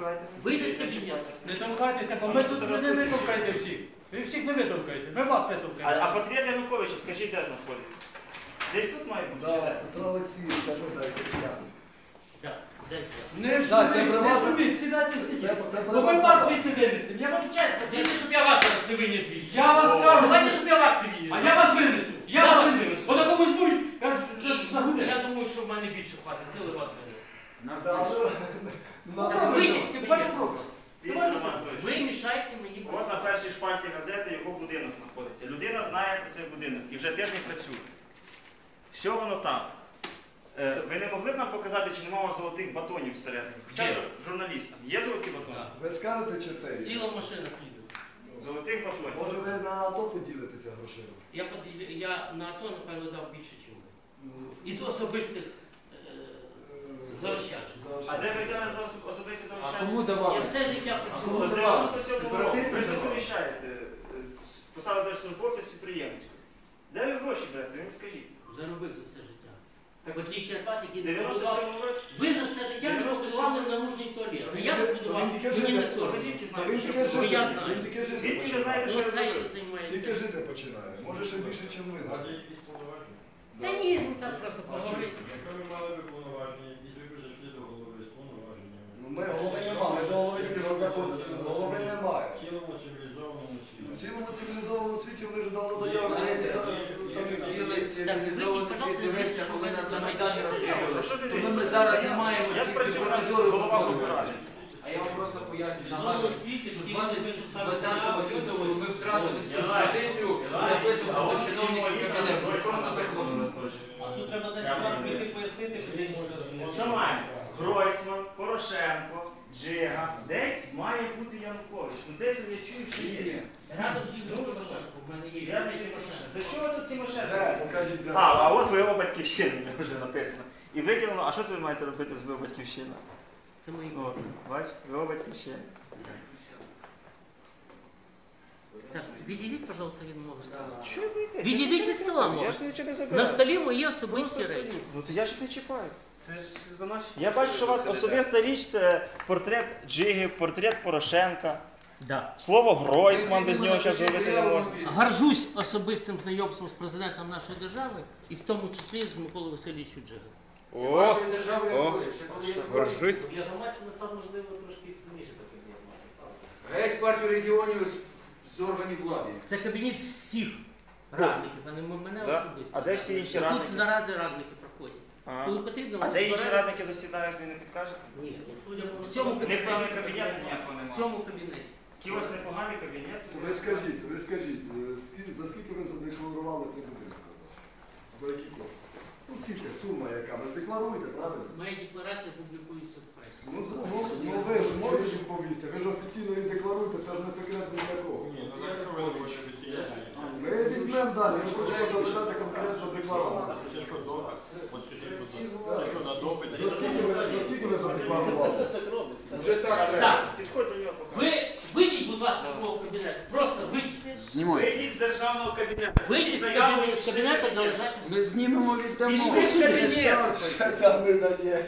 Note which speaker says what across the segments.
Speaker 1: штовхайте.
Speaker 2: Вийдіть з кабінету.
Speaker 3: Не толкайтеся, бо ми тут не витовкаєте всіх. Ви всіх не витовкаєте, ми вас витовкаємо.
Speaker 1: А портрет Януковича, скажіть, де знаходиться? Десь тут має бути, чи де?
Speaker 4: Петро Олексійович, кажу, дайте член.
Speaker 3: Не шуміть, сідайте всі. Бо ми вас звідси винесемо. Я вам чесно.
Speaker 2: Дивіться, щоб я вас зараз не виніс звідси.
Speaker 3: Я вас кажу.
Speaker 2: Давайте, щоб я вас не виніс.
Speaker 3: А я вас винесу. Я вас винесу. Бо на комусь будь, я ж загуде.
Speaker 2: Я думаю, що в мене більше хватить сили вас винести.
Speaker 4: Але
Speaker 2: Вийдіть з кабінету просто.
Speaker 1: Дивіться, Роман Анатолійович.
Speaker 2: Ви мішаєте мені.
Speaker 1: От на першій шпальті газети його будинок знаходиться. Людина знає про цей будинок і вже тиждень працює. Все воно там. Ви не могли б нам показати, чи немає у вас золотих батонів всередині? Хоча
Speaker 2: Є.
Speaker 1: журналістам. Є золоті батони?
Speaker 2: Так.
Speaker 4: ви скажете, чи це є?
Speaker 2: Ціла машина хлібу.
Speaker 1: Золотих батонів.
Speaker 4: Може ви на АТО поділитеся грошима?
Speaker 2: Я на АТО, напевно, дав більше, ніж ви. Із особистих заощаджень.
Speaker 1: А де ви взяли за особисті
Speaker 5: А
Speaker 1: заощадження?
Speaker 5: кому давали?
Speaker 2: Я все життя
Speaker 1: То
Speaker 2: працював.
Speaker 1: з 97 року.
Speaker 5: Сепаратистам
Speaker 1: Ви ж не
Speaker 5: давали?
Speaker 1: суміщаєте посаду держслужбовця з підприємницькою. Де ви гроші берете? Ви мені скажіть.
Speaker 2: Заробив за все життя. В отличие від вас, які
Speaker 1: В
Speaker 2: не побудували.
Speaker 1: 97 році?
Speaker 2: Ви за все життя не побудували наружний туалет. А я побудував,
Speaker 4: Він тільки
Speaker 2: мені не
Speaker 4: жити.
Speaker 2: соромно.
Speaker 1: Ви звідки
Speaker 4: Він
Speaker 1: знаєте,
Speaker 4: тільки
Speaker 1: що?
Speaker 2: Ну, я
Speaker 4: жити,
Speaker 2: знаю.
Speaker 4: він тільки жити
Speaker 1: Звідки ви
Speaker 4: починає.
Speaker 1: знаєте, що ви
Speaker 2: Хай
Speaker 1: зробили?
Speaker 2: займається.
Speaker 4: Тільки жити починає. Може ще більше, ніж ви.
Speaker 2: Та ні, ну так просто поговорити.
Speaker 6: Якщо ви мали би повноваження, і ви прийшли до голови з повноваженнями,
Speaker 4: Ну, ми голови немає, ми до голови тільки що заходимо. Голови немає.
Speaker 6: в цілому цивілізованому
Speaker 4: У
Speaker 6: світі.
Speaker 4: цілому цивілізованому світі вони вже давно заяву написали самі всі.
Speaker 5: Цілий цивілізований світ дивився, коли нас на Майдані
Speaker 1: А
Speaker 5: розстрілювали.
Speaker 1: що ти
Speaker 5: Тому ми
Speaker 1: дивишся?
Speaker 5: зараз не маємо
Speaker 1: Я
Speaker 5: ці
Speaker 1: працюю на
Speaker 5: процедури
Speaker 1: голова
Speaker 5: виконувати.
Speaker 1: Ради.
Speaker 5: А я вам просто поясню, нагадую, що з 20 лютого ми втратили цю традицію записувати до чиновників кабінету. Ми просто заходимо.
Speaker 7: А тут треба десь раз прийти пояснити, куди можна змінити.
Speaker 1: Що маємо? Гройсман, Порошенко, Джига. Десь має бути Янукович. Ну десь я чую, що є.
Speaker 2: Радом зі мною Тимошенко, в мене є.
Speaker 1: Я не Тимошенко. До чого тут Тимошенко?
Speaker 4: Де? Покажіть, де.
Speaker 1: А от ви батьківщина вже написано. І викинуло, а що це ви маєте робити з батьківщина?
Speaker 2: Це мої.
Speaker 1: О, бач, ви батьківщина.
Speaker 2: Так, відійдіть, пожалуйста, від мого стола.
Speaker 1: Що ви боїтесь?
Speaker 2: Відійдіть від стола,
Speaker 1: Я
Speaker 2: може.
Speaker 1: ж нічого не
Speaker 2: На
Speaker 1: забираю.
Speaker 2: столі мої особисті
Speaker 1: Просто
Speaker 2: речі.
Speaker 1: стою. Ну то я ж не чіпаю.
Speaker 7: Це ж за наші...
Speaker 1: Я бачу, що у вас особиста річ це портрет Джиги, портрет Порошенка.
Speaker 2: Да.
Speaker 1: Слово Гройсман, без нього зараз говорити не можна.
Speaker 2: Горжусь особистим знайомством з президентом нашої держави і в тому числі з Миколою Васильовичем Джигом.
Speaker 1: О,
Speaker 5: Вашої держави якої? Ще коли я
Speaker 1: горжусь.
Speaker 7: Для громадських засад, можливо, трошки і складніше таке діяти.
Speaker 5: Геть партію регіонів з органів влади.
Speaker 2: Це кабінет всіх радників, а не мене
Speaker 1: Да?
Speaker 2: особисто.
Speaker 1: А де всі інші
Speaker 2: Тут
Speaker 1: радники?
Speaker 2: наради радники проходять.
Speaker 1: Ага.
Speaker 2: Коли потрібно,
Speaker 1: А
Speaker 2: вони
Speaker 1: де інші
Speaker 2: збирають.
Speaker 1: радники засідають, ви не підкажете?
Speaker 2: Ні,
Speaker 7: Ну, судя по
Speaker 2: в цьому
Speaker 1: У них певний
Speaker 2: кабінеті.
Speaker 1: кабінет ніякого
Speaker 2: В
Speaker 1: немає.
Speaker 2: цьому кабінеті.
Speaker 1: Такий ось непоганий кабінет.
Speaker 4: Ви скажіть, за скільки ви задекларували цей будинок? За які кошти? Ну скільки, сума яка? Ви ж декларуєте, правильно?
Speaker 2: Моя декларація публікується в пресі.
Speaker 4: Ну ви ж можете ж повісти, ви ж офіційно її декларуєте, це ж не секрет ніякого.
Speaker 6: Ні, ну якщо ви не хочете офіційно,
Speaker 4: Ми візьмемо далі, ми хочемо запитати конкретно декларувати.
Speaker 6: це що допит? От скажіть, будь ласка, це що на допит?
Speaker 4: За скільки ви задекларували?
Speaker 7: так робиться.
Speaker 5: Вже так вже.
Speaker 2: Так,
Speaker 1: Підходь до нього поки.
Speaker 2: ви вийдіть, будь ласка, з мого кабінету. Просто вийдіть.
Speaker 5: Знімай.
Speaker 1: Вийдіть з державного кабінету.
Speaker 2: Вийдіть з кабінету, де лежать.
Speaker 5: Ми знімемо віддамо.
Speaker 1: Пішли в кабінет.
Speaker 4: Ще ця не дає.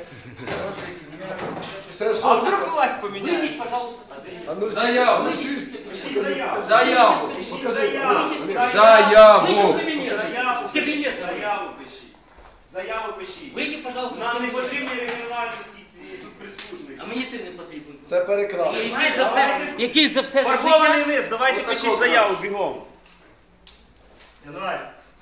Speaker 4: Це
Speaker 1: А
Speaker 4: що?
Speaker 1: вдруг власть поміняє?
Speaker 2: Вийдіть, пожалуйста, з кабінету.
Speaker 4: А ну
Speaker 5: Заяву.
Speaker 4: ну, чуєш?
Speaker 1: Пишіть заяву.
Speaker 5: Заяву.
Speaker 1: Пишіть
Speaker 4: Покажи.
Speaker 1: заяву.
Speaker 2: Вийдіть з
Speaker 5: Заяву.
Speaker 2: кабінету.
Speaker 1: Заяву.
Speaker 2: З кабінету.
Speaker 1: Заяву пишіть. Заяву пишіть.
Speaker 2: Вийдіть, пожалуйста, з
Speaker 1: Нам не
Speaker 2: кабінету.
Speaker 1: потрібні регіоналівські ці тут прислужники.
Speaker 2: А мені ти не потрібен.
Speaker 4: Це перекрасно.
Speaker 2: Який за все
Speaker 1: Фарбований
Speaker 2: життя.
Speaker 1: лист, давайте
Speaker 5: Отакого
Speaker 1: пишіть заяву бігом. Януарь.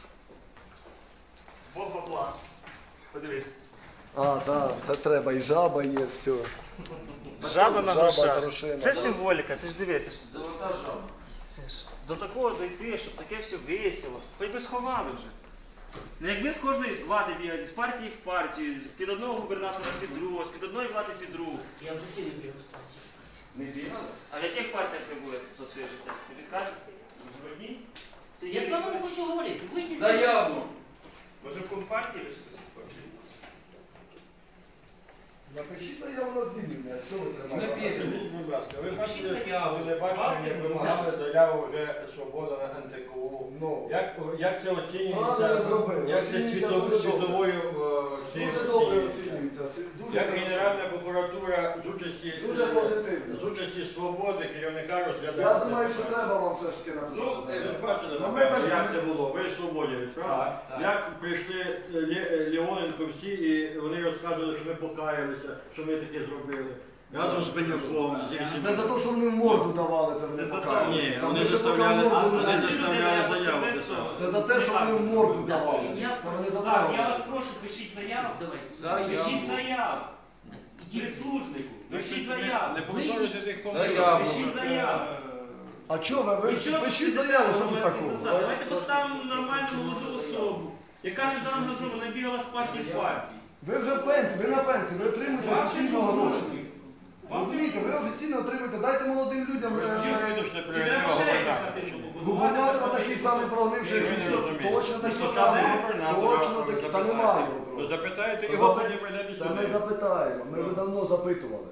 Speaker 1: Бог в оплату. Подивись.
Speaker 4: А, так, це треба, і жаба є, все.
Speaker 1: Жаба на
Speaker 4: Жаба з
Speaker 1: грошах.
Speaker 4: грошима.
Speaker 1: Це символіка, ти ж дивися.
Speaker 5: Золота жаба.
Speaker 1: До такого дойти, щоб таке все весело. Хоч би сховали вже. Ну якби з кожної влади бігати, з партії в партію, з-під одного губернатора під другого, з-під одної влади під другу.
Speaker 2: Я в житті не бігав з партії.
Speaker 1: Не бігали? А в яких партіях ви були за своє життя? Не підкажете? Може в одній? Чи
Speaker 2: Я
Speaker 1: є-
Speaker 2: з вами не хочу говорити. Вийдіть.
Speaker 5: Заяву.
Speaker 1: Може в компартії ви щось хочете?
Speaker 4: Напишіть заяву на звільнення, що ви
Speaker 5: Ми
Speaker 4: тримаєте?
Speaker 5: віримо.
Speaker 6: Скажіть, будь ласка, ви
Speaker 2: Пишіть
Speaker 6: бачите,
Speaker 2: заяву.
Speaker 6: телебачення вимагали заяву вже «Свобода» на НТКУ.
Speaker 4: Ну,
Speaker 6: Як це
Speaker 4: Правильно
Speaker 6: оцінюється?
Speaker 4: зробили.
Speaker 6: Як це
Speaker 4: Оцінюється дуже добре.
Speaker 6: світовою
Speaker 4: дуже добре оцінюється. Дуже
Speaker 6: Як
Speaker 4: хорошо.
Speaker 6: Генеральна прокуратура з участі
Speaker 4: Дуже позитивно.
Speaker 6: кількості свободи керівника
Speaker 4: Я
Speaker 6: розглядати.
Speaker 4: думаю, що треба вам все ж таки
Speaker 6: Ви
Speaker 4: написати.
Speaker 6: ж бачили,
Speaker 4: Ну, ми
Speaker 6: напевно,
Speaker 4: так-
Speaker 6: як це було. Ви свободівець, правда? Як прийшли Леоненко всі, і вони розказували, що ми покаялися, що ми таке зробили. Разом з Бенюком, зі всіма.
Speaker 4: Це за те, що вони в морду давали, це
Speaker 7: Це
Speaker 4: не
Speaker 7: за
Speaker 4: показує.
Speaker 6: Ні,
Speaker 4: Там
Speaker 6: вони
Speaker 4: лише
Speaker 6: заставляли,
Speaker 4: поки в морду
Speaker 6: вони
Speaker 4: не
Speaker 7: Ці люди
Speaker 6: заставляли
Speaker 7: не
Speaker 6: заяву
Speaker 7: особисто.
Speaker 6: писати.
Speaker 4: Це за те, що вони в морду давали. Це вони за
Speaker 7: Так,
Speaker 4: це.
Speaker 7: я вас прошу, пишіть заяву.
Speaker 2: Давайте.
Speaker 7: Пишіть заяву. Прислужнику. Пишіть заяву.
Speaker 6: Не повторюйте тих
Speaker 5: Заяву.
Speaker 7: Пишіть заяву.
Speaker 4: А чого ви?
Speaker 7: І що ви
Speaker 4: Пишіть заяву, що тут такого?
Speaker 7: Давайте поставимо нормальну молоду особу, яка не заангажована, бігала з партії в партії.
Speaker 4: Ви вже в пенсії, ви на пенсії, ви отримуєте
Speaker 7: Вам
Speaker 4: офіційно
Speaker 7: це
Speaker 4: гроші.
Speaker 7: потрібно.
Speaker 4: Розумієте, ви офіційно отримуєте, дайте молодим людям.
Speaker 7: Чи треба ще якось
Speaker 4: Губернатор такий самий прогнивший,
Speaker 6: Ви не розумієте.
Speaker 4: точно такий
Speaker 6: Ну,
Speaker 4: самий,
Speaker 6: губернатора
Speaker 4: точно такий, та немає його
Speaker 6: То
Speaker 4: просто.
Speaker 6: запитаєте
Speaker 4: То
Speaker 6: його,
Speaker 4: запи-
Speaker 6: потім прийдете
Speaker 4: Це ми
Speaker 6: сюди.
Speaker 4: запитаємо, ми вже давно запитували,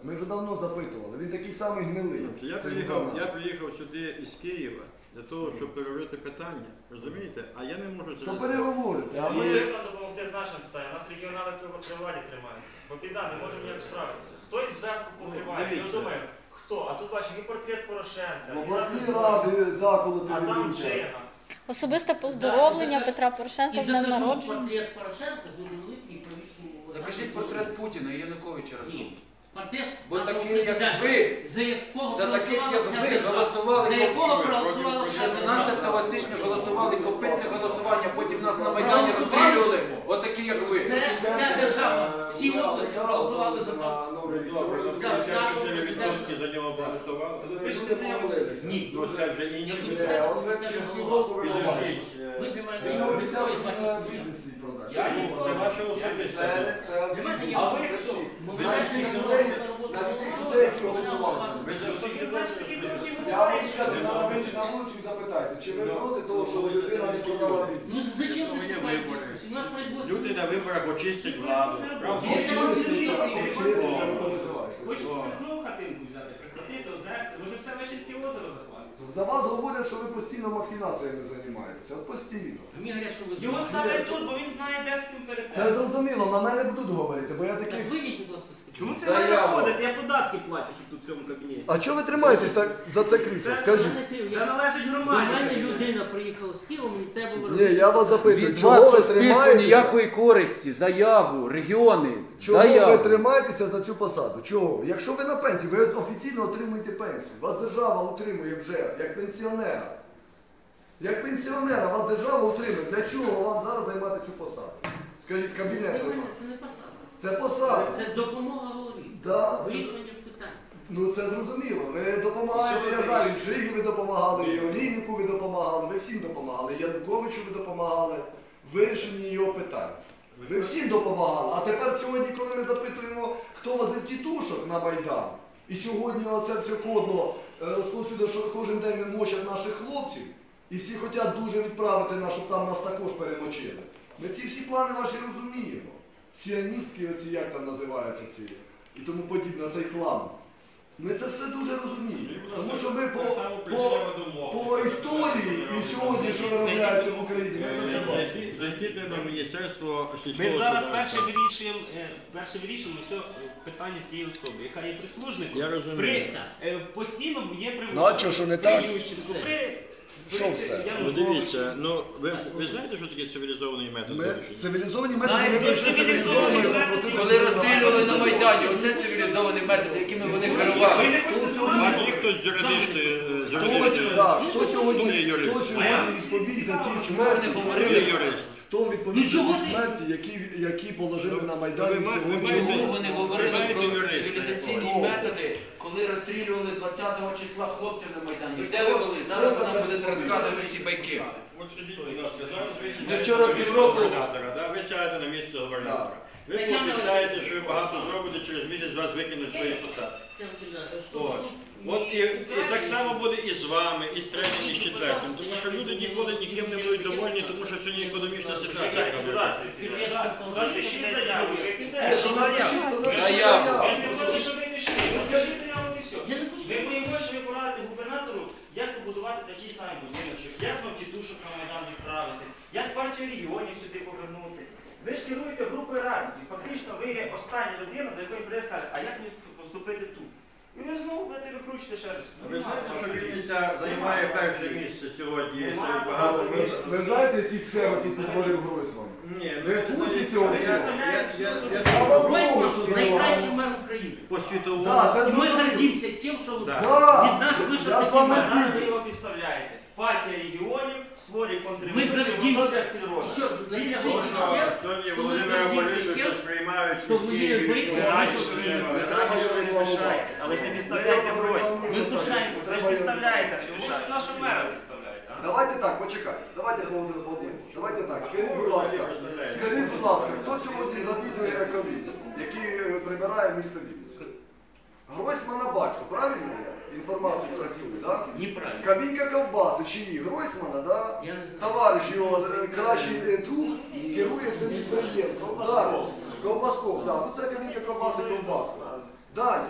Speaker 4: він такий самий гнилий.
Speaker 6: Я
Speaker 4: Це
Speaker 6: приїхав,
Speaker 4: губернатор.
Speaker 6: сюди із Києва для того, щоб переговорити питання. Розумієте? А я не можу
Speaker 4: То
Speaker 6: це.
Speaker 4: переговорите, а
Speaker 1: Ми
Speaker 4: ми...
Speaker 1: нам допомогти з нашим питанням. У нас регіонали при владі тримаються. Бо біда, не можемо ніяк справитися. Хтось зверху покриває. І
Speaker 6: дивіться.
Speaker 1: от думаємо, хто? А тут бачимо і портрет Порошенка,
Speaker 4: В
Speaker 1: і
Speaker 4: обласній
Speaker 1: запис
Speaker 4: ради заколоти
Speaker 1: а там
Speaker 4: ведуться.
Speaker 1: Чега.
Speaker 8: Особисте поздоровлення Петра Порошенка
Speaker 2: І
Speaker 8: з днем
Speaker 2: закажу
Speaker 8: народження.
Speaker 2: портрет Порошенка дуже великий і повішу.
Speaker 5: Закажіть портрет Путіна і Януковича разом.
Speaker 2: Ні. Портрет
Speaker 5: Бо
Speaker 2: нашого
Speaker 5: таких, як
Speaker 2: президента,
Speaker 5: ви,
Speaker 2: за якого
Speaker 5: за таких, як
Speaker 2: проголосувала вся
Speaker 5: ви,
Speaker 2: держава.
Speaker 5: голосували
Speaker 2: За якого проголосувала вся
Speaker 5: 16 січня голосували копитне голосування, потім нас на Майдані
Speaker 2: Проголосували?
Speaker 5: розстрілювали. Отакі, як ви.
Speaker 2: Вся держава, всі області проголосували за те.
Speaker 6: Добре, ну,
Speaker 2: За нашого
Speaker 6: 54% за нього проголосували.
Speaker 7: Пишете заяву.
Speaker 2: Ні.
Speaker 6: Ну це вже інші.
Speaker 4: От ви півроку ви побачите.
Speaker 6: Підождіть.
Speaker 2: Ви приймаєте
Speaker 4: Він
Speaker 2: його
Speaker 4: обіцяв, що
Speaker 2: відповідь.
Speaker 4: на бізнесі продасть.
Speaker 6: Це ваше особисте.
Speaker 4: Це всі.
Speaker 2: Для мене є
Speaker 7: А ви
Speaker 2: особисто.
Speaker 7: хто?
Speaker 2: Ви
Speaker 4: Навіть
Speaker 2: знаєте,
Speaker 4: тих
Speaker 2: за
Speaker 4: людей,
Speaker 2: кого на роботу
Speaker 4: навіть тих
Speaker 2: було,
Speaker 4: людей, які
Speaker 2: за
Speaker 4: голосували.
Speaker 6: Ви за
Speaker 7: Так ви знаєте, такі гроші
Speaker 4: Я вам
Speaker 7: бувають, що
Speaker 4: скажу,
Speaker 7: ви
Speaker 4: зараз
Speaker 7: зробите.
Speaker 4: вийдіть на вулицю і запитайте, чи ви проти того, що людина не продала бізнес?
Speaker 2: Ну зачем
Speaker 6: Ну,
Speaker 2: ты
Speaker 6: є
Speaker 2: вступаешь в
Speaker 6: вибори.
Speaker 2: дискуссию? У нас производство...
Speaker 6: Люди на виборах очистять владу. Правда?
Speaker 2: Є
Speaker 4: Чисті,
Speaker 2: люди,
Speaker 4: так,
Speaker 2: які
Speaker 4: чисті,
Speaker 2: не
Speaker 4: не
Speaker 2: хочуть.
Speaker 4: переживайте.
Speaker 7: Хочете собі знову хатинку взяти, прихватити, озерце, може все Вишинське озеро захватити.
Speaker 4: За вас говорять, що ви постійно махінаціями займаєтеся. От постійно.
Speaker 2: Мені говорять, що ви...
Speaker 7: Його ставлять тут, бо він знає, де з ким
Speaker 4: Це
Speaker 7: перейти.
Speaker 4: зрозуміло, на мене будуть говорити, бо я такий...
Speaker 2: Так вийдіть, будь ласка, з
Speaker 7: Чому
Speaker 2: кабінету.
Speaker 7: це ви
Speaker 5: Заяву.
Speaker 7: виходите? Я податки платю, щоб тут в цьому кабінеті.
Speaker 4: А чого ви тримаєтесь так за це крісло? Скажіть.
Speaker 7: Це належить
Speaker 2: До
Speaker 7: громаді.
Speaker 2: мене людина приїхала з Києва, мені треба
Speaker 4: Ні,
Speaker 2: виробити.
Speaker 4: я вас запитую,
Speaker 5: Від
Speaker 4: чого
Speaker 5: вас
Speaker 4: ви
Speaker 5: суспільству
Speaker 4: тримаєтеся?
Speaker 5: ніякої користі, заяву, регіони,
Speaker 4: Чого ви
Speaker 5: заяву.
Speaker 4: тримаєтеся за цю посаду? Чого? Якщо ви на пенсії, ви офіційно отримуєте пенсію. Вас держава утримує вже, як пенсіонера. Як пенсіонера вас держава утримує. Для чого вам зараз займати цю посаду? Скажіть, кабінет.
Speaker 2: Це
Speaker 4: займати.
Speaker 2: це не посада.
Speaker 4: Це посада.
Speaker 2: Це допомога голові.
Speaker 4: Да, це-
Speaker 2: Вирішення питань.
Speaker 4: Ну це зрозуміло. Ви допомагаєте, я знаю, Джигі ви допомагали, і Олійнику ви допомагали, ви всім допомагали, Януковичу ви допомагали, в вирішенні його питань. Ви всім допомагали. А тепер сьогодні, коли ми запитуємо, хто возив тітушок на Майдан, і сьогодні оце все кодно розповсюдно, що кожен день не мочать наших хлопців, і всі хочуть дуже відправити нас, щоб там нас також перемочили. Ми ці всі плани ваші розуміємо. Сіоністські, оці як там називаються ці, і тому подібне, цей клан. Ми це все дуже розуміємо. Тому що ми по історії і сьогодні, що виробляється в Україні, ми це все бачимо.
Speaker 6: Зайти треба в Міністерство сільського
Speaker 7: Ми зараз
Speaker 6: господарства.
Speaker 7: перше вирішуємо все питання цієї особи, яка є прислужником.
Speaker 6: Я розумію.
Speaker 7: Постійно є при
Speaker 4: Ну, а що, що не так?
Speaker 7: при Ющенку,
Speaker 4: Що все?
Speaker 6: Ну дивіться, ну ви знаєте, що таке цивілізований метод
Speaker 4: Ми
Speaker 6: вирішення?
Speaker 4: цивілізовані методи, ми
Speaker 7: Знаєте,
Speaker 4: прийшли
Speaker 7: цивілізовані
Speaker 4: цивілізовані,
Speaker 7: методи.
Speaker 4: попросити
Speaker 5: Коли розстрілювали на Майдані, оце цивілізовані методи, якими вони
Speaker 7: Ви
Speaker 5: керували.
Speaker 7: не хочете
Speaker 6: А
Speaker 7: знати?
Speaker 6: є хтось з юридичної...
Speaker 4: Хто сьогодні відповість за ті смерті?
Speaker 6: Ви юрист.
Speaker 4: Хто відповість за
Speaker 2: Ну,
Speaker 4: ті
Speaker 2: чого
Speaker 4: смерті, які положили на Майдані
Speaker 6: ви
Speaker 4: сьогодні?
Speaker 6: маєте-
Speaker 5: Чому вони говорили
Speaker 6: Знаєте,
Speaker 5: про
Speaker 6: юристи,
Speaker 5: цивілізаційні
Speaker 4: хто?
Speaker 5: методи, коли розстрілювали 20-го числа хлопців на Майдані? Де ви були? Зараз ви нам будете розказувати ці байки.
Speaker 6: От скажіть, будь ласка, зараз ви
Speaker 5: Ви
Speaker 6: сідаєте
Speaker 5: вчора
Speaker 6: на місце
Speaker 5: півроку-
Speaker 6: губернатора, да? Ви сядете на місце губернатора. Ви
Speaker 2: Тетяна
Speaker 6: пообіцяєте, що ви багато зробите, через місяць вас викинуть з своєї посади.
Speaker 2: Тетяна Васильівна, що
Speaker 6: От.
Speaker 2: тут
Speaker 6: От і так само буде і з вами, і з третім, і з четвертим. Тому що люди ніколи ніким не будуть довольні, тому що сьогодні економічна ситуація. така важка.
Speaker 1: Пишіть заяву, ви підете.
Speaker 5: Заяву.
Speaker 1: Я ж не проти, що ви пішли. Розкажіть заяву і все.
Speaker 2: Я не хочу.
Speaker 1: Ми боїмо, що ви порадите губернатору, як побудувати такий самий будиночок, як вам тітушок на Майдан відправити, як партію регіонів сюди повернути. Ви ж керуєте групою радників. Фактично ви є остання людина, до якої прийде скаже, а як мені поступити тут? І ви знову будете викручуйте ще раз.
Speaker 6: Ви знаєте, що Вінниця займає перше місце сьогодні? Серед багато міст.
Speaker 4: Ви знаєте, які схеми тут утворив Гройсман?
Speaker 6: Ні,
Speaker 4: Ви в курсі цього?
Speaker 6: я
Speaker 2: Гройсман найкращий мер України.
Speaker 6: по світовому.
Speaker 4: Да, це
Speaker 2: І ми
Speaker 4: зрозуміло.
Speaker 2: гордимося тим, що
Speaker 6: Да.
Speaker 4: Да.
Speaker 2: від нас вийшов
Speaker 4: Я з
Speaker 2: такий
Speaker 4: вами
Speaker 2: мер.
Speaker 1: Зараз ви його підставляєте. Партія регіонів створює
Speaker 2: Мы
Speaker 1: контрреволюцію,
Speaker 2: гордимся.
Speaker 1: високих сільроза.
Speaker 2: Еще раз, напишите
Speaker 6: Сьогодні
Speaker 2: везде, что мы
Speaker 6: Володимира
Speaker 2: гордимся
Speaker 6: Борисовича
Speaker 2: тем,
Speaker 6: сприймають,
Speaker 2: що Володимир Борисович
Speaker 1: Ви раді,
Speaker 2: вийшов
Speaker 1: що
Speaker 2: з
Speaker 1: ви
Speaker 2: Києва.
Speaker 1: не пишаєтесь, але ж не підставляйте Гройсмана.
Speaker 2: Ми пишаємо.
Speaker 1: Ви ж підставляєте, а не
Speaker 7: Чому ж
Speaker 1: пишаєте.
Speaker 7: нашого мера підставляєте, а?
Speaker 4: Давайте так, почекайте. Давайте, Володимир Володимирович, давайте так. Скажіть, будь ласка, хто сьогодні завідує Ековізом, який прибирає місто Вінницю? Гройсмана батько, правильно я інформацію трактую, так?
Speaker 2: Неправильно.
Speaker 4: Кавінька ковбаси, чиї? Гройсмана, да?
Speaker 2: Я не знаю.
Speaker 4: Товариш його кращий друг керує цим підприємством. Далі. Ковбасков, да. Ну це Кавінька ковбаси, ковбаска. Далі.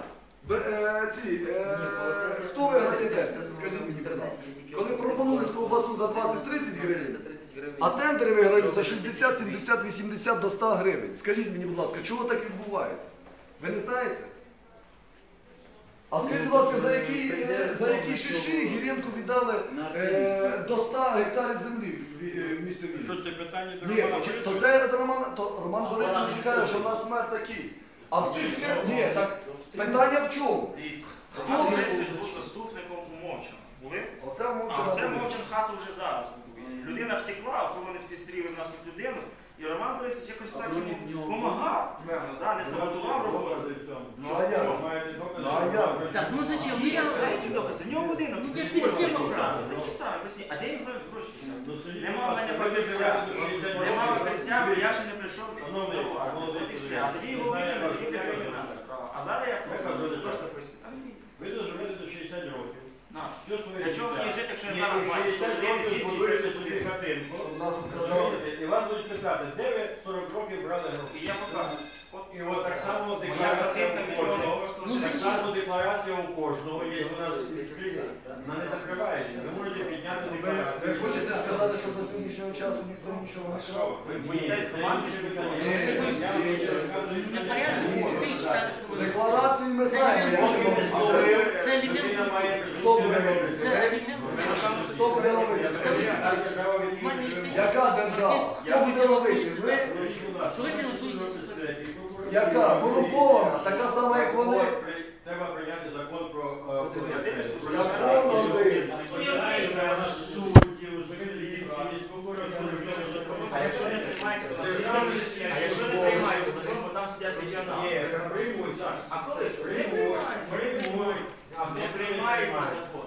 Speaker 4: Хто виграє 10? Скажіть мені, будь ласка. Коли пропонують ковбасу за 20-30 гривень, а тендери виграють за 60, 70, 80 до 100 гривень. Скажіть мені, будь ласка, чого так відбувається? Ви не знаєте? А скажіть, будь ласка, за які шиші Гіренку віддали до 100 гектарів землі в місті
Speaker 6: що
Speaker 4: Вінниці?
Speaker 6: це питання до
Speaker 4: Ні,
Speaker 6: Романа
Speaker 4: то
Speaker 6: Борисовича?
Speaker 4: це Роман Борисович каже, що в нас мер такий. А в цих схемах, ні, так питання в чому?
Speaker 1: Дивіться, Роман Борисович був заступником у Мовчан. Були?
Speaker 4: Оце
Speaker 1: А
Speaker 4: мовчано.
Speaker 1: це Мовчан хату вже зараз будує. Людина втекла, охоронець підстрілив в нас тут людину, і Роман Борисович якось так йому допомагав, певно, да? Не саботував роботу.
Speaker 4: Ну а як?
Speaker 6: Маєте докази,
Speaker 4: Ну, а
Speaker 6: що
Speaker 4: як?
Speaker 6: Роман
Speaker 2: Так, ну зачем? Ну,
Speaker 1: Ні,
Speaker 2: я...
Speaker 1: які докази? В нього будинок,
Speaker 2: Ну,
Speaker 1: ну,
Speaker 2: я
Speaker 1: схожі,
Speaker 2: перед
Speaker 1: такі
Speaker 2: тим
Speaker 1: самі, такі самі. Поясні. А де він гроші взяв?
Speaker 6: Ну, скажіть,
Speaker 1: Нема в
Speaker 6: будь
Speaker 1: мене
Speaker 6: ласка, ви
Speaker 1: папірця,
Speaker 6: живете до 60
Speaker 1: нема
Speaker 6: років.
Speaker 1: папірця, бо я ще не прийшов
Speaker 6: Шановний
Speaker 1: до влади.
Speaker 6: Володимир
Speaker 1: От і все. А тоді його
Speaker 6: Володимирович,
Speaker 1: витягнуть, тоді буде
Speaker 6: знаєте,
Speaker 1: кримінальна справа. А зараз я прошу,
Speaker 6: Яка доля?
Speaker 1: просто поясніть. А ні,
Speaker 6: Ви доживете до 60 років.
Speaker 1: наш.
Speaker 6: Все своє
Speaker 1: Для чого
Speaker 6: життя.
Speaker 1: мені жити, якщо я
Speaker 6: Ні,
Speaker 1: зараз
Speaker 6: ви
Speaker 1: бачу, що
Speaker 6: 60
Speaker 1: людини
Speaker 6: років
Speaker 1: звідки
Speaker 6: збудуєте
Speaker 1: це
Speaker 6: собі хатинку.
Speaker 4: Щоб нас обкрадали.
Speaker 6: Розумієте? І вас будуть питати, де ви 40 років брали гроші?
Speaker 1: І я покажу.
Speaker 6: І от так само
Speaker 1: Моя
Speaker 6: декларація
Speaker 1: картинка
Speaker 6: у
Speaker 1: мільйони
Speaker 6: кожного.
Speaker 1: коштує.
Speaker 2: Ну,
Speaker 6: Так
Speaker 2: зачем?
Speaker 6: само декларація у кожного є у нас відкрита. Вона не закривається. Ви можете підняти
Speaker 4: Ви
Speaker 6: декларацію.
Speaker 4: хочете сказати, що до сьогоднішнього часу ніхто нічого не крав?
Speaker 6: Ви
Speaker 1: боїтесь команди спочатку?
Speaker 2: Непорядно, ти читати, що ви...
Speaker 4: Декларації ми знаємо, як
Speaker 2: Це елемент...
Speaker 4: хто буде робити.
Speaker 2: Це елемент...
Speaker 4: Хто буде ловити? Яка держава? Хто буде ловити? Ви?
Speaker 2: Що ви фінансуєте ситуацію?
Speaker 4: Яка? Корумпована, така сама, як вони.
Speaker 6: Треба прийняти закон про
Speaker 4: Закон один.
Speaker 1: А якщо не приймається, то а якщо не приймається закон, бо там сидять регіонали.
Speaker 6: Ні, приймуть, так.
Speaker 1: А коли ж? Не приймається. Не приймається закон.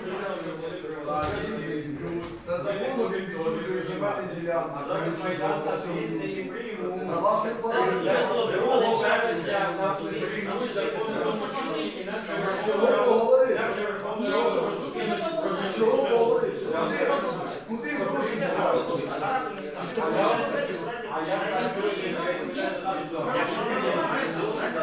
Speaker 4: Це закон він відчужує земельні ділянки.
Speaker 6: А зараз Майдан та Сісти і приймуть.
Speaker 4: За вашим
Speaker 1: Це
Speaker 4: порядком.
Speaker 1: вже добре, але час для нас
Speaker 6: Приймуть закон про
Speaker 4: Чого поговорити? Чого поговорити? Куди гроші дівати?
Speaker 1: багато не стане. Через це безпраця якщо не приймається,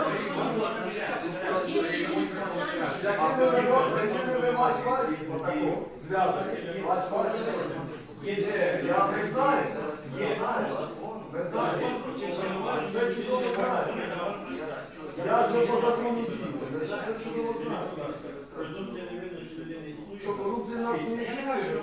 Speaker 4: А ви з якими ви Вась-Вась отако зв'язані? Вась-Вась? Я не знаю. Не знаю. Це чудово знаю. Я вже по закону дію. Я це чудово знаю.
Speaker 6: Презумпція невинності людини існує.
Speaker 4: Що корупція в нас не існує.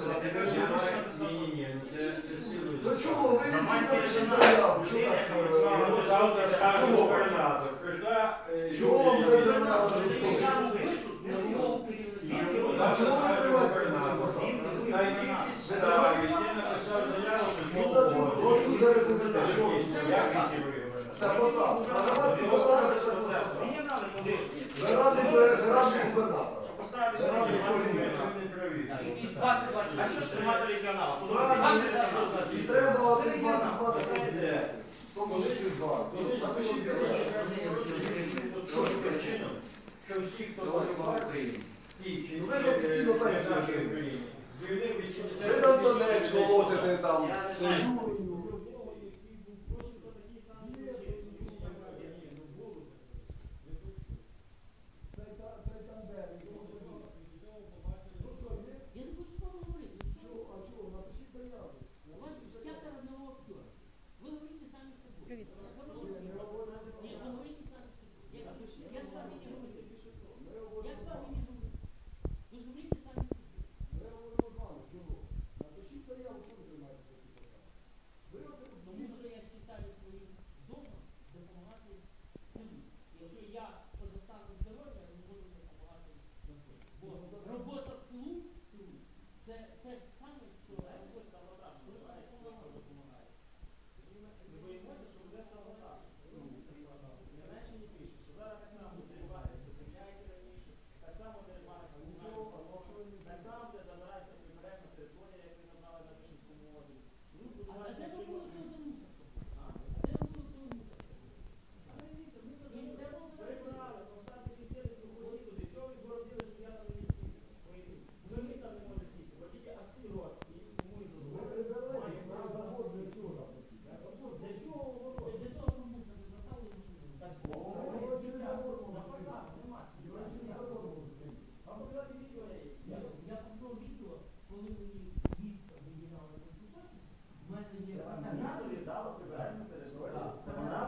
Speaker 6: Ні.
Speaker 4: До чого ви не писали заяву?
Speaker 6: Завтра скаже губернатор.
Speaker 4: Чого вам не заяву?
Speaker 2: Пишуть на нього керівника.
Speaker 4: А чого ви тримаєтеся на цю посаду?
Speaker 6: На якій підставі я написав заяву письмового.
Speaker 4: От сюди ви сидите. Що ви?
Speaker 6: Як він керує?
Speaker 4: Це посада. А давайте посадити це посаду.
Speaker 1: регіонали подишні.
Speaker 4: Ви раді губернатора.
Speaker 1: Поставити
Speaker 4: Ви раді
Speaker 1: сьогодні.
Speaker 4: політика.
Speaker 6: Ви не праві.
Speaker 2: І 22
Speaker 1: А що ж тримати регіонала?
Speaker 4: І треба оці 22 президенти. В тому числі з вами. Напишіть,
Speaker 6: Що ж причина? Що всі, хто воював, ті чи
Speaker 4: Ви ж офіційно
Speaker 6: інші
Speaker 4: знаєте,
Speaker 6: державі
Speaker 4: що
Speaker 6: України, звільнив
Speaker 4: ви там Донець колотите там.
Speaker 2: Я не хочу вам говорити. У вас театр одного актера. Ви говорите самі з собою.
Speaker 8: Привіт.
Speaker 2: Ні, ви говорите самі з собою. Я з вами не говорю. Я з вами не Робота в тилу це те ж саме, що
Speaker 1: Ми боїмося, що буде саботаж. Німеччині пише, що зараз так само дерибаниться земля, як і раніше, так само дерибаниться нічого, так само буде забиратися прибережна територія, як ви забрали на Вишинському озері. Будуть будувати перебрали, поставте кисельницю в воді туди. Чого ви згородили, щоб я там не міг сісти? Вже мій там не може сісти, бо тільки Аксій рот і кому і дозволили. Має право на для чого? Для чого воно? Для того, щоб мусор не заставили машину. Так, запаркав, нема. Вам показати відео є.
Speaker 2: я почув відео, коли мені місто виділяли на консультацію, в мене є
Speaker 1: Місто віддало прибережну територію. Це вона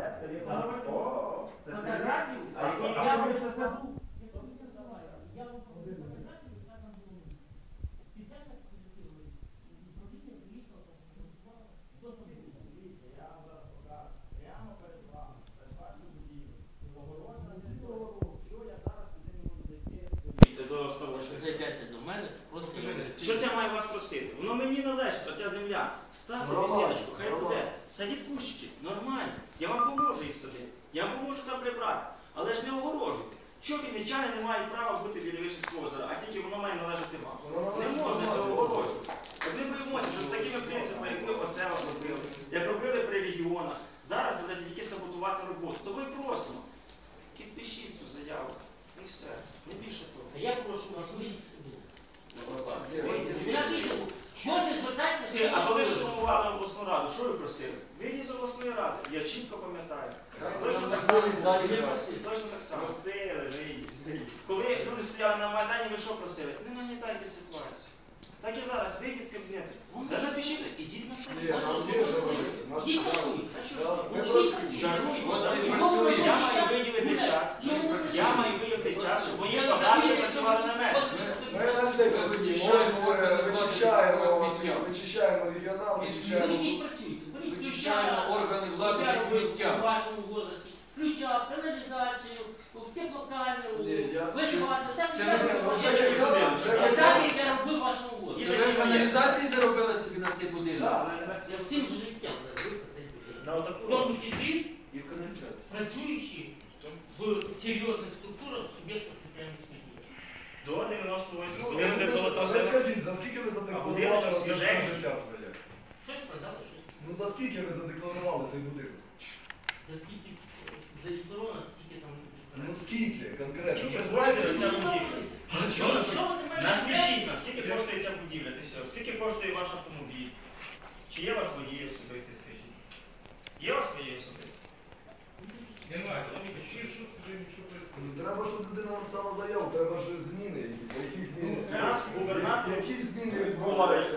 Speaker 2: фотографію, я вам покажу. Я тобі не знаю. Я вам покажу фотографію, яка там була. Спеціально прилетіли. Управління приїхало, фотографувало. Що там було?
Speaker 1: Дивіться, я вам зараз покажу. Прямо перед вами, перед вашою будівлею. Огорожена територія. Що я зараз туди не можу зайти? Скажіть, до ставочки.
Speaker 2: Зайдете до мене, просто
Speaker 1: Що це я маю вас просити? Воно мені належить, оця земля. Ставте бесідочку, хай буде. Садіть кущики, нормально. Я вам поможу їх садити. Я вам поможу там прибрати. Але ж не огорожуйте. Що вінничани не мають права бути біля Вишинського озера, а тільки воно має належати вам. Не можна цього огорожувати. От ми боїмося, що з такими принципами, як ми оце робили, як робили при регіонах, зараз будете тільки саботувати роботу. То ви просимо. Підпишіть цю заяву. І все. Не більше того.
Speaker 2: я прошу вас вийти сюди. Можете звертатися,
Speaker 1: А коли штурмували обласну раду, що ви просили? Вийдіть з обласної ради. Я чітко пам'ятаю. Точно так само. Точно так само. Просили, вийдіть. Коли люди стояли на Майдані, ви що просили? Не нагнітайте ситуацію. Так і зараз, вийдіть з кабінету. Да напишіть, ідіть на Ідіть Я маю виділити час. Я маю виділити час, щоб мої податки працювали на мене.
Speaker 4: Ми на людей вичищаємо регіонал,
Speaker 5: Вичищаємо органи влади від
Speaker 2: у
Speaker 5: сміття.
Speaker 2: вашому возрасті. Включав каналізацію, в теплокамеру, вичувати. Так,
Speaker 5: Це
Speaker 2: я
Speaker 5: не
Speaker 2: так, як я робив в вашому возрасті.
Speaker 5: Це ви в каналізації заробили собі на цей будинок?
Speaker 2: Я всім життям заробив цей будинок. В тому числі
Speaker 5: І в каналізації.
Speaker 2: працюючи в серйозних структурах суб'єктів підприємницької діяльності.
Speaker 1: До 98
Speaker 4: Ви скажіть, за скільки ви задекларували це все життя своє?
Speaker 2: Щось продали, щось.
Speaker 4: Ну за скільки ви задекларували цей будинок?
Speaker 2: За скільки задекларовано, скільки там.
Speaker 4: Ну скільки конкретно?
Speaker 1: Скільки
Speaker 4: Ви
Speaker 1: коштує
Speaker 4: знаєте?
Speaker 1: ця будівля?
Speaker 2: Що ви маєте?
Speaker 1: Наскажіть, наскільки коштує ця будівля? Ти все? Скільки коштує ваш автомобіль? Чи є у вас водії особисті, скажіть? Є у вас водії особисті?
Speaker 7: Немає.
Speaker 4: Треба, щоб людина написала заяву, треба ж зміни якісь. А які зміни?
Speaker 1: У нас губернатор.
Speaker 4: Які зміни відбуваються?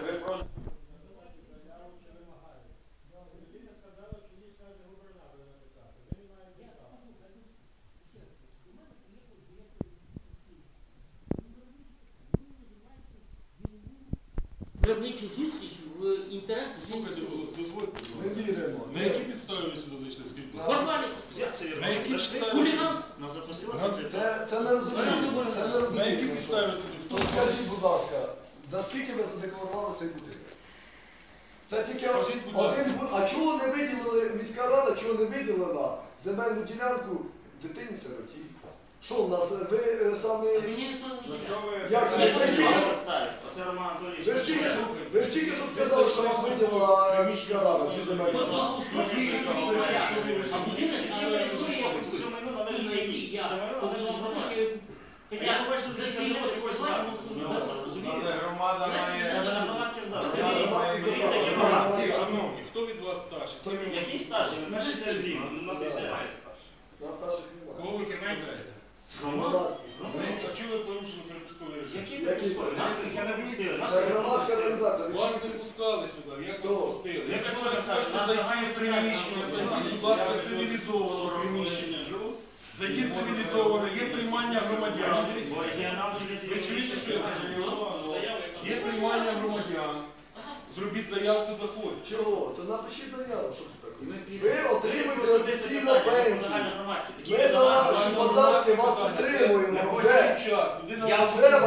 Speaker 2: Виробничу зустріч в інтересах.
Speaker 9: Слухайте, дозвольте.
Speaker 4: Ми віримо.
Speaker 9: На якій підставі ви сюди зайшли? Скажіть, будь ласка.
Speaker 2: Формальність.
Speaker 1: Як це
Speaker 9: На якій
Speaker 1: Зайшли,
Speaker 9: підставі?
Speaker 2: Хуліганство.
Speaker 1: нас запросила секретар.
Speaker 4: Це не розуміємо. Це не
Speaker 9: На якій
Speaker 4: розуміємо.
Speaker 9: підставі ви сюди?
Speaker 4: То скажіть, будь ласка, за скільки ви задекларували цей будинок? Це тільки
Speaker 9: Скажіть, будь ласка.
Speaker 4: один. А чого не виділили, міська рада, чого не виділила земельну ділянку дитині-сироті? Що в нас, ви самі...
Speaker 2: Мені ніхто не відповідає.
Speaker 4: Як це?
Speaker 2: Ні,
Speaker 4: Ви ж тільки що-
Speaker 1: Оце Роман Анатолійович.
Speaker 4: ви ж тільки що сказали, що вам виділила міська рада цю земельну
Speaker 2: Ми
Speaker 4: ділянку.
Speaker 2: благоустройство порядку. А будинок не територія.
Speaker 1: Цю майно належить
Speaker 2: На якій
Speaker 1: мені.
Speaker 2: я
Speaker 1: Це майно належить
Speaker 2: побудував
Speaker 1: громаді.
Speaker 2: будинок,
Speaker 1: Я
Speaker 2: хоча
Speaker 1: побачив,
Speaker 2: за
Speaker 1: що
Speaker 2: всі
Speaker 1: це
Speaker 2: роки
Speaker 1: якось
Speaker 2: буває,
Speaker 1: так.
Speaker 2: воно це
Speaker 1: Я
Speaker 2: без
Speaker 1: вас розумію.
Speaker 6: Громада має...
Speaker 1: Каже, на громадські завтра.
Speaker 4: Громадські
Speaker 1: Дивіться,
Speaker 4: завтра.
Speaker 1: які багатство.
Speaker 9: Шановні, хто від вас старший? З ким ви
Speaker 1: Який старший? Ви перший серед рівня. У нас і немає старших.
Speaker 4: На старших немає.
Speaker 9: Кого ви представляєте? А чого ви порушили припустовий режим?
Speaker 1: Які припустили? Нас тут не пустили. Нас
Speaker 4: Це
Speaker 1: тут не
Speaker 4: громадська
Speaker 1: пустили.
Speaker 4: організація.
Speaker 9: Вас не пускали сюди, як вас
Speaker 4: Хто?
Speaker 9: пустили?
Speaker 1: Як
Speaker 9: Якщо
Speaker 1: ви
Speaker 9: ви
Speaker 1: кажете,
Speaker 9: хочете
Speaker 1: нас
Speaker 9: зайти
Speaker 1: загальні
Speaker 9: в приміщення,
Speaker 1: питання.
Speaker 9: зайдіть, будь ласка, цивілізовано в приміщення. Зайдіть цивілізовано, є приймання громадян.
Speaker 1: Регіонал
Speaker 9: Ви чуєте, що я кажу? Є приймання громадян. Зробіть заявку, заходьте.
Speaker 4: Чого? То напишіть заяву, що тут таке? Ви отримуєте офіційну пенсію. Ми за ваші податки вас отримуємо вже.
Speaker 2: Я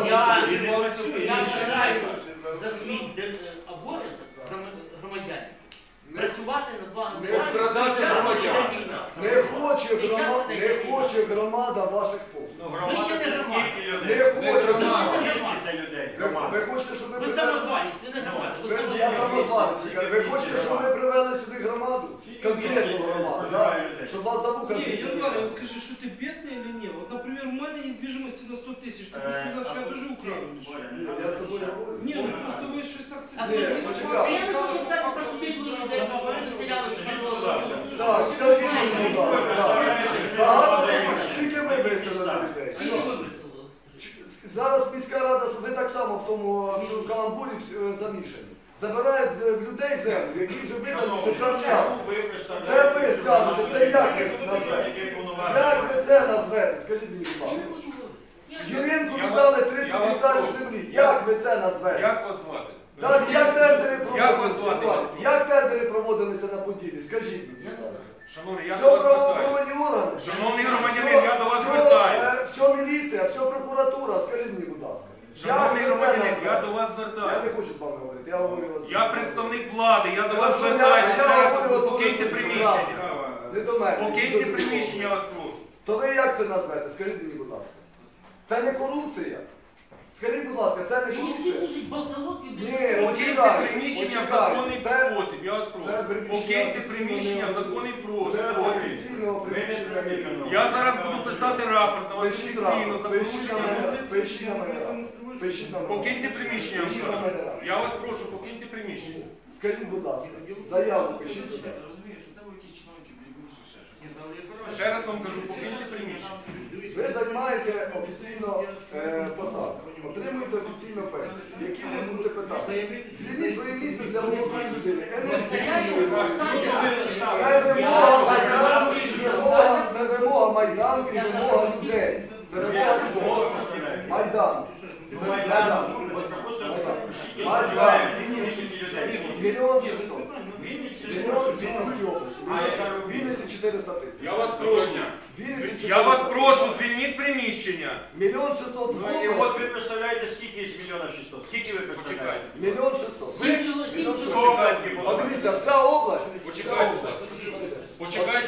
Speaker 2: вважаю за свій обов'язок громадянський працювати на благо
Speaker 4: Не хоче громада ваших послуг.
Speaker 2: Ви ще не громада.
Speaker 4: Не хоче
Speaker 2: Ви ще не
Speaker 4: громада.
Speaker 2: громада.
Speaker 4: Ви хочете, щоб ми
Speaker 2: Ви самозванець, ви не громада. Ви
Speaker 4: Я
Speaker 2: самозванець.
Speaker 4: самозванець. Ви хочете, щоб ми привели сюди громаду? Конкретну громаду, да? Щоб вас за вуха
Speaker 10: Не,
Speaker 4: звідси
Speaker 10: Январь,
Speaker 4: не
Speaker 10: вот скажи, что ты бедный или нет? Вот, например, у меня недвижимости на 100 тысяч. Ты бы сказал, что я тоже украл.
Speaker 4: Я з тобою говорю.
Speaker 10: Не, ну просто вы что-то так
Speaker 2: А це
Speaker 10: цепляете.
Speaker 2: я не хочу сказати про судову людей, вони заселяли
Speaker 4: Так, скажіть, будь ласка, багато скільки ви виселили людей?
Speaker 2: Скільки ви висловили?
Speaker 4: Зараз міська рада, ви так само в тому каламбурі замішані. Забирають в людей землю, які вже видали, що шарчали. Це ви скажете, це як ви назвете? Як ви це назвете? Скажіть мені, будь ласка. Юрінку віддали 30 гектарів землі. Як ви це назвете?
Speaker 9: Як вас звати?
Speaker 4: Так, як тендери
Speaker 9: Як вас
Speaker 4: проводилися?
Speaker 9: звати?
Speaker 4: Як тендери проводилися на Поділі? Скажіть мені, будь ласка.
Speaker 9: Шановний, я
Speaker 4: Все
Speaker 9: до вас звертаюся.
Speaker 4: правоохоронні органи.
Speaker 9: Шановний громадянин, я до вас звертаюся.
Speaker 4: Все міліція, все прокуратура, скажіть мені, будь ласка.
Speaker 9: Шановний
Speaker 4: Як ви це
Speaker 9: громадянин, я
Speaker 4: назвете?
Speaker 9: до вас
Speaker 4: Я не
Speaker 9: звертаюся.
Speaker 4: хочу з вами говорити, я говорю вас.
Speaker 9: Я представник влади, я до вас
Speaker 4: Хорошо,
Speaker 9: звертаюся.
Speaker 4: я
Speaker 9: Ще раз
Speaker 4: говорю, от
Speaker 9: покиньте
Speaker 4: ви
Speaker 9: приміщення.
Speaker 4: Не до мене.
Speaker 9: Покиньте
Speaker 4: до
Speaker 9: приміщення, я
Speaker 4: нікого.
Speaker 9: вас прошу.
Speaker 4: То ви як це назвете? Скажіть мені, будь ласка. Це не корупція? Скажіть, будь ласка, це не
Speaker 2: І всі
Speaker 4: корупція?
Speaker 2: служать болтологію без
Speaker 4: Ні,
Speaker 9: Покиньте
Speaker 4: почекайте,
Speaker 9: приміщення в
Speaker 4: почекайте.
Speaker 9: законний
Speaker 4: Це-
Speaker 9: спосіб, я вас
Speaker 4: це
Speaker 9: прошу.
Speaker 4: приміщення
Speaker 9: Покиньте
Speaker 4: офіційно
Speaker 9: приміщення в
Speaker 4: не-
Speaker 9: законний
Speaker 4: Це
Speaker 9: спосіб.
Speaker 4: офіційного приміщення.
Speaker 9: Я зараз буду писати рапорт на вас
Speaker 4: Пишіть
Speaker 9: офіційно
Speaker 4: рапорт,
Speaker 9: за
Speaker 4: пишіть на
Speaker 9: порушення.
Speaker 4: мене, пишіть на мене рапорт. Пишіть на мене.
Speaker 9: Покиньте приміщення, я вам
Speaker 4: Пишіть на
Speaker 9: кажу.
Speaker 4: мене рапорт.
Speaker 9: Я вас прошу, покиньте приміщення.
Speaker 4: Скажіть, будь ласка, заяву пишіть, будь ласка.
Speaker 9: Ще раз вам кажу, покиньте приміщення.
Speaker 4: Ви займаєте офіційно посаду, отримуєте офіційну пенсію. Які можуть бути питання? Звільніть своє місце для молодої людини. Це вимога Майдану і вимога людей. Це вимога людей. Майдану. Це Майдан. Майдан. 1 600 000. Мільйон в Вінницькій області. В Вінниці 400 000.
Speaker 9: Я вас прошу. Я вас прошу, звільніть приміщення.
Speaker 4: 1 600 000
Speaker 6: І
Speaker 4: в
Speaker 6: от
Speaker 4: області.
Speaker 6: ви представляєте, скільки з 1 600 000? Скільки ви представляєте?
Speaker 9: Почекайте.
Speaker 4: 1 600 000.
Speaker 2: Сім чоловік.
Speaker 4: Подивіться, вся область.
Speaker 9: Почекайте, будь ласка. Почекайте.